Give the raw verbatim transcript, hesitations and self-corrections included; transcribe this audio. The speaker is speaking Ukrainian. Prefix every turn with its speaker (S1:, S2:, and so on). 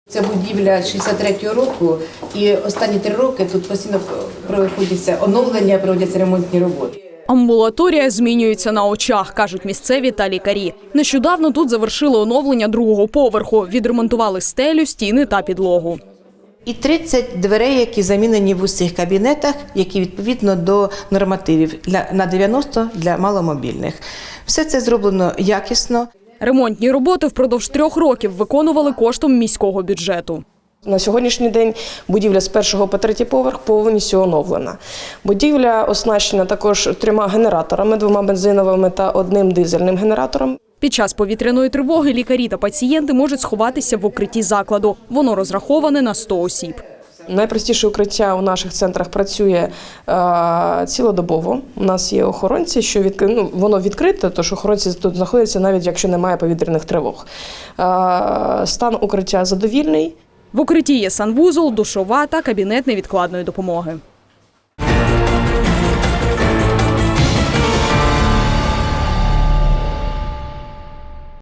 S1: Це будівля шістдесят третього року, і останні три роки тут постійно проводяться оновлення, проводяться ремонтні роботи.
S2: Амбулаторія змінюється на очах, кажуть місцеві та лікарі. Нещодавно тут завершили оновлення другого поверху, відремонтували стелю, стіни та підлогу.
S3: І тридцять дверей, які замінені в усіх кабінетах, які відповідно до нормативів для, на дев'яносто для маломобільних. Все це зроблено якісно.
S2: Ремонтні роботи впродовж трьох років виконували коштом міського бюджету.
S4: На сьогоднішній день будівля з першого по третій поверх повністю оновлена. Будівля оснащена також трьома генераторами, двома бензиновими та одним дизельним генератором.
S2: Під час повітряної тривоги лікарі та пацієнти можуть сховатися в укритті закладу. Воно розраховане на сто осіб.
S4: Найпростіше укриття у наших центрах працює е, цілодобово. У нас є охоронці, що від, ну, воно відкрите, тож охоронці тут знаходяться навіть якщо немає повітряних тривог. Е, стан укриття задовільний.
S2: В укритті є санвузол, душова та кабінет невідкладної допомоги.